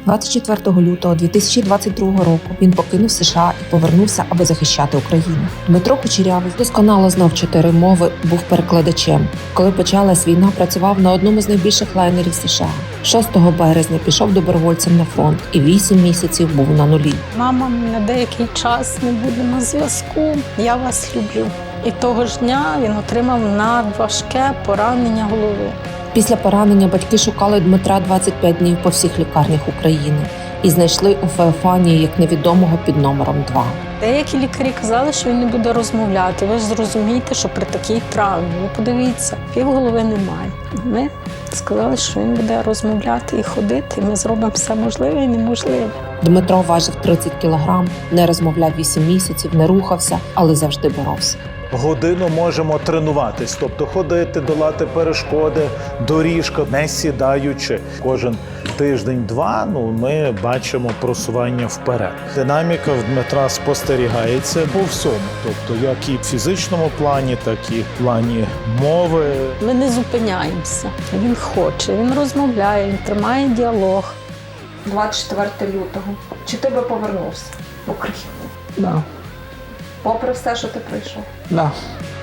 24 лютого 2022 року він покинув США і повернувся, аби захищати Україну. Дмитро Кучерявий досконало знав 4 мови, був перекладачем. Коли почалась війна, працював на одному з найбільших лайнерів США. 6 березня пішов добровольцем на фронт і 8 місяців був на нулі. Мама, на деякий час не буде на зв'язку, я вас люблю. І того ж дня він отримав надважке поранення голови. Після поранення батьки шукали Дмитра 25 днів по всіх лікарнях України і знайшли у Феофанії як невідомого під номером 2. Деякі лікарі казали, що він не буде розмовляти. Ви ж зрозумієте, що при такій травмі, ви подивіться, півголови немає. Ми сказали, що він буде розмовляти і ходити, і ми зробимо все можливе і неможливе. Дмитро важив 30 кілограм, не розмовляв 8 місяців, не рухався, але завжди боровся. Годину можемо тренуватись, тобто ходити, долати перешкоди, доріжка, не сідаючи. Кожен тиждень-два ми бачимо просування вперед. Динаміка в Дмитра спостерігається по всьому, тобто як і в фізичному плані, так і в плані мови. Ми не зупиняємося. Він хоче, він розмовляє, він тримає діалог. 24 лютого. Чи ти би повернувся в Україну? Да. Попри все, що ти пройшов? Да.